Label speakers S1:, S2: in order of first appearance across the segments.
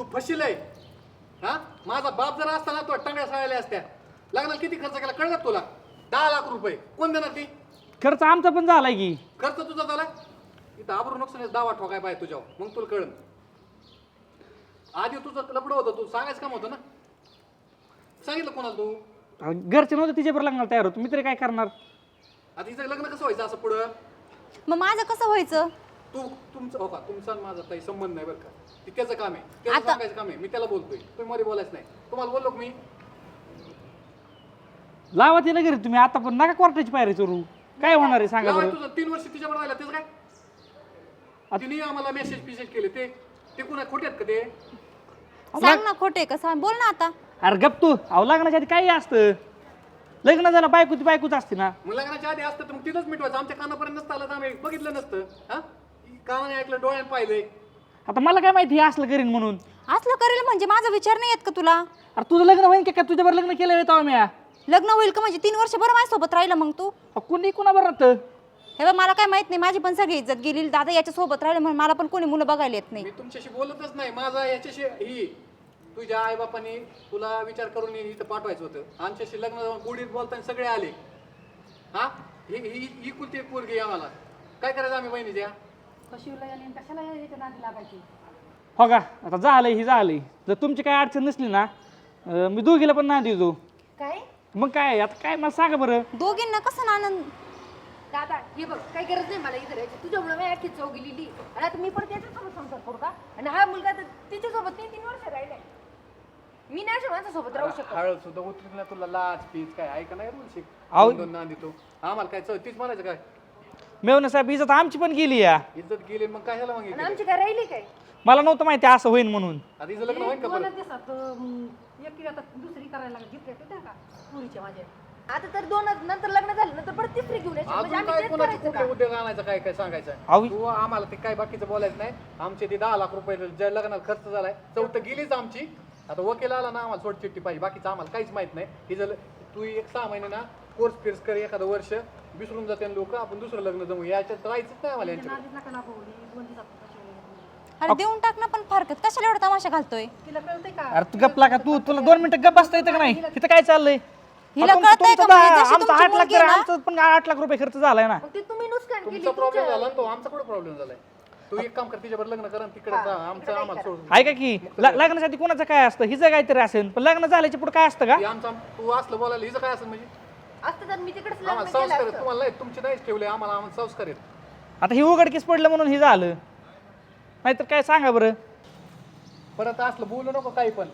S1: तू फशीलय हा. माझा बाप जर असता ना तो टांगड्या साळल्या असत्या. लग्नाला किती खर्च केला कळलं का तुला? 10 लाख रुपये. कोण देणार ती?
S2: खर्च आमचा पण झालाय की.
S1: खर्च तुझा झाला. इथं आबरू नुकसान दावा ठोकाय पाहिजे तुझ्यावर, मग तुला कळलं. आधी तुझं लपडं होतं, तू सांगायचं काम होतं ना. सांगितलं कोणाला तू?
S2: घरचे नव्हते तिच्यावर लग्नाला तयार होतो, मी तरी काय करणार.
S1: आता हिचं लग्न कसं व्हायचं असं पुढं?
S3: मग माझं कसं व्हायचं?
S1: तुमचं हो का, तुमचा आणि माझा काही संबंध नाही बरं का. ती त्याचं काम आहे, त्याचं
S3: आता-
S1: सांगायचं काम आहे. मी त्याला बोलतोय, तुम्ही मध्ये बोलायचं नाही. तुम्हाला बोललो का मी?
S2: लावा तिला घरी तुम्ही आता, पण नका कोर्टाची पायरी चोरू. काय होणार आहे सांगा
S1: लावा,
S2: बरं.
S1: तुझं 3 वर्ष तिच्यावर राहिला त्याचं काय? तिने आम्हाला मेसेज केले ते कुणा खोटे आहेत का ते?
S3: सांग ना खोटे का सांग, बोल ना आता.
S2: अरे गप तू. अहो लग्नाच्या आधी काही असतं. लग्न झालं बायकोच असते ना.
S1: मग लग्नाच्या आधी असतं तर मग तिथंच मिटवायचं. आमच्या कानापर्यंत नसतं आलं तर आम्ही बघितलं नसतं. हा, कानाने ऐकलं, डोळ्याने पाहिलंय.
S2: आता मला काय माहिती हे असलं करीन म्हणून.
S3: असलं करेल म्हणजे माझा विचार नाही येत का तुला?
S2: अरे तुझं लग्न होईन का तुझ्यावर लग्न केलं येतो आम्ही.
S3: लग्न होईल का म्हणजे 3 वर्ष बरं माझ्यासोबत राहिलं मग तू?
S2: कुणी कुणावर राहतं.
S3: हे बघ मला काय माहित नाही, माझी पण सगळी इज्जत गेली. दादा याच्या सोबत राहिलं म्हणून मला पण कोणी मुलं बघायला येत नाही.
S1: मी तुमच्याशी बोलतच नाही. माझा याच्याशी ही तुझ्या आईबापांनी तुला विचार करून इथं पाठवायचं होतं. आमच्याशी लग्न जाऊन गुढीत बोलताना सगळे आले. हा, ही कुलती एक पोरगी आम्हाला काय करायचं आम्ही बहिणीच्या?
S2: हो का, आता झालंय. जर तुमची काय अडचण नसली ना, मी दोघीला पण नाही देतो.
S3: काय
S2: मग काय आता काय मला सांगा बरं.
S3: दोघींना कसं ना आनंद?
S4: दादा हे बघ काही गरज नाही मला इथे राहायची. तुझ्यामुळे मी अख्खी चौ गेलेली आणि आता मी पण त्याच्यासोबत संसार करू का? आणि हा मुलगा तर तिच्यासोबत 3 वर्ष राहिलाय. मी नाही अशा माणसासोबत राहू शकत.
S1: हळद सुद्धा उतरली ना तुला लाच पीच काय ऐका नाही बोल शिक.
S2: आहो.
S1: दोन ना देतो आम्हाला काय तीच म्हणायचं काय?
S2: मेवणे साहेब इज्जत आमची पण गेली या.
S1: इज्जत गेली मग काय ह्याला
S4: आणि
S1: मागितलं?
S4: आमची काय राहिली काय?
S2: मला नव्हतं माहिती असं होईन म्हणून.
S1: आता हिचं लग्न होईल का परत?
S4: एकटी आता दुसरी करायला घेतल्या होत्या का पुरीच्या माझ्या. आता तर 2 नंतर लग्न झालं नंतर परत तिसरी घेऊन यायची. म्हणजे
S1: अजून
S4: आम्ही
S1: काय
S4: तेच
S1: कोणाचे
S4: करायचं
S1: कुठले
S4: का?
S1: उद्योग आणायचं काय काय सांगायचं?
S2: अहो.
S1: तू आम्हाला ते काय बाकीचं बोलायचं नाही. आमचे ते 10 लाख रुपये ज्या लग्नाला खर्च झालाय चौथं गेलीच आमची. आता वकील आला ना आम्हाला सोड चिठ्ठी पाहिजे, बाकीचं आम्हाला काहीच माहित नाही. ही जर तू 1-6 महिने ना कोर्स फिर्स कर, एखादं वर्ष विसरून जाते लोक, आपण दुसरं लग्न जमू. याच्यात राहायचंच नाही आम्हाला यांच्याकडे.
S3: अरे देऊन टाक ना, पण फारकत कशाला एवढा तमाशा घालतोय?
S4: तिला कळतंय का?
S2: अरे तू गपला का तुला 2 मिनिटं गप बसता येतं का नाही? इथं काय चाललंय?
S3: हिला
S2: तुमचं-
S3: कळतंय का
S2: तुमचं
S3: म्हणजे
S2: दहा-
S3: जशी
S2: आमचं
S3: तुमची
S2: 8 लाख
S3: मुलगी आहे ना?
S2: आमचं पण 8 लाख रुपये खर्च झालाय ना.
S4: मग ते तुम्ही नुकसान केली
S1: तुमचा प्रॉब्लेम
S4: तुमच्या.
S1: झाला ना तो, आमचा कुठे प्रॉब्लेम झालाय? तू एक काम कर, तिच्यावर लग्न कर आणि तिकडे जा. आमचं आम्हाला सोड.
S2: ऐका की लग्नासाठी कोणाचं काय असतं, हिचं काहीतरी असेल, पण लग्न झाल्याच्या पुढे काय असतं का?
S1: हे आमचं तू असलं बोलायला हिचं काय असेल म्हणजे?
S4: असतं तर मी तिकडेच
S1: आम्हाला
S4: लग्न केलं
S1: संस्कार आहेत,
S4: असतं.
S1: तुम्हाला नाही. तुमचे नाहीच ठेवले, आम्हाला संस्कार आहेत.
S2: आता ही उघडकीस पडलं म्हणून हे झालं, नाहीतर काय सांगा बरं.
S1: परत असलं बोलू नको काही पण.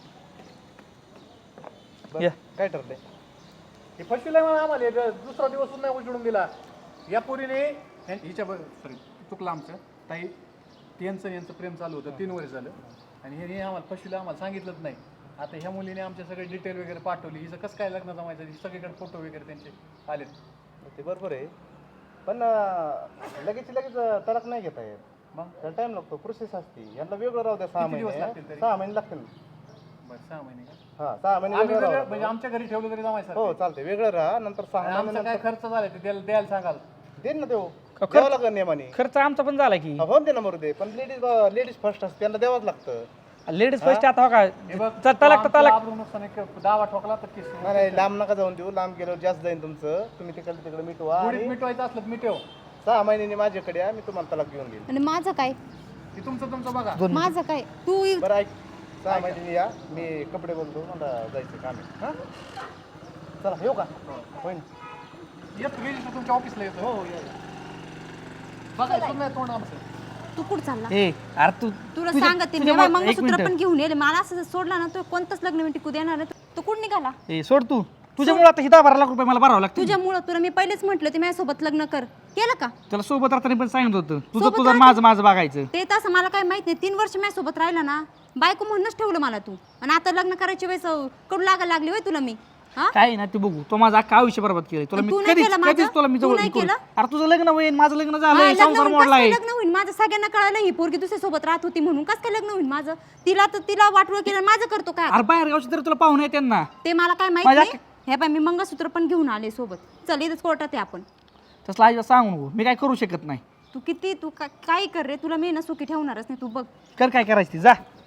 S2: या.
S1: काय ठरलंय? हे फसविलंय मला आम्हाला. हे दुसरा दिवस सुद्धा नाही उजळून दिला. या पोरीने हिच्या सॉरी चुकलं आमचं ताई. यांचं प्रेम चालू होतं 3 वर्ष झालं आणि हे आम्हाला फसविलं, आम्हाला सांगितलंच नाही. आता ह्या मुलीने आमच्या सगळे डिटेल वगैरे पाठवली. हिचं कसं काय लग्न जमायचं, सगळीकडे फोटो वगैरे त्यांचे आले.
S5: ते बरोबर आहे, पण लगेच तलाक नाही घेता येत. मग त्याला टाइम लागतो, प्रोसेस असते. यांना वेगळं राहू द्या. 6
S1: किती दिवस
S5: महिने
S1: लागतील तरी?
S5: 6 महिने लागतील.
S1: बरं 6 महिने का?
S5: हा 6 महिने
S1: आम्ही
S5: वेगळं
S1: वेगळं-
S5: राहू
S1: म्हणजे आमच्या घरी ठेवलं तरी जमायचं.
S5: हो चालते, वेगळं राहा. नंतर 6
S1: आमचा
S5: महिने
S1: काय खर्च झालाय ते द्यायला सांगाल.
S5: देईन ना देऊ,
S2: खर्च-
S5: द्यावं लागेल नियमाने.
S2: खर्च आमचा पण झाला की.
S5: हो दे ना मरू दे, पण लेडीज फर्स्ट असते, त्यांना द्यावंच लागतं.
S2: लेडीज फर्स्ट आता हो का,
S1: हे बघ,
S2: तलाक तर
S1: आमचं
S2: तलाक.
S1: आबरू नुकसान एक दावा ठोकला तर केस.
S5: नाही लांब नका जाऊन देऊ. लांब गेल्यावर जास्त जाईन तुमचं. तुम्ही तिकडे मिटवा
S1: गुढीत
S5: आणि
S1: मिटवायचं असलं तर मिटव.
S5: 6 महिन्यांनी माझ्याकडे या, मी तुम्हाला तलाक घेऊन देईन.
S3: आणि माझं काय?
S1: ते तुमचं बघा.
S3: माझं काय? तू
S5: बरं ऐक, 6 महिन्यांनी या. मी कपडे बोलतो, मला जायचं काम आहे. हां चला येऊ का? होईन.
S1: येत रजिस्टर तुमच्या ऑफिसला येतो. हो बघा सुद्धा नाही तोंड आमचं.
S3: तू कुठं चालला?
S2: ए अरे तू
S3: तुला
S2: तुझ्या-
S3: सांगते मी,
S2: तुझ्या-
S3: बाई,
S2: एक
S3: मंगळसूत्र
S2: मिनिट.
S3: पण घेऊन येले. मला असं जर सोडला ना, तो कोणतंच लग्न मी टिकू देणार नाही. तू कुठं निघाला?
S2: ए सोड तू. तुझ्यामुळे आता 10-12 लाख रुपये मला भरावं लागतं.
S3: तुझ्यामुळं तुला मी पहिलेच म्हटलं ते माझ्यासोबत लग्न कर. केलं का?
S2: त्याला सोबत राहताना पण सांगितलं होतं, तुझं
S3: सोबत
S2: तुझं
S3: राहता-
S2: माझं बघायचं.
S3: ते तसं मला काय माहित नाही. 3 वर्ष माझ्यासोबत राहिला ना, बायको म्हणूनच ठेवलं मला तू. आणि आता लग्न करायची वेळेस कडू लागायला लागली होय तुला मी. हा,
S2: काय ना ते बघू, तो माझं अख्खा आयुष्य बरबाद केलं. तुला
S3: तू
S2: मी
S3: नाही केलं माझं?
S2: कधीच तुला मी
S3: तू
S2: जवळ
S3: नाही
S2: करू-
S3: केलं?
S2: अरे तुझं लग्न होईल, माझं लग्न
S3: हा,
S2: झालंय,
S3: लग्न
S2: संसार
S3: होईल.
S2: मोडलाय.
S3: कसं काय लग्न होईल माझं? सगळ्यांना कळालं ही पोरगी दुसऱ्या सोबत राहत होती म्हणून. कसं काय लग्न होईल माझं? तिला वाटवं केलं, माझं करतो काय?
S2: अरे बाहेर गावची तर तुला पाहुणे येते ना.
S3: ते मला काय माहित
S2: माझ्या-
S3: नाही. हे बाय, मी मंगळसूत्र पण घेऊन आले सोबत. चल इथंच कोर्टात आहे आपण.
S2: तसला आईला सांगू नको, मी काय करू शकत नाही.
S3: तू काय कर रे, तुला मी ना सुखी ठेवणारच नाही. तू बघ.
S2: कर काय करायचं ती, जा.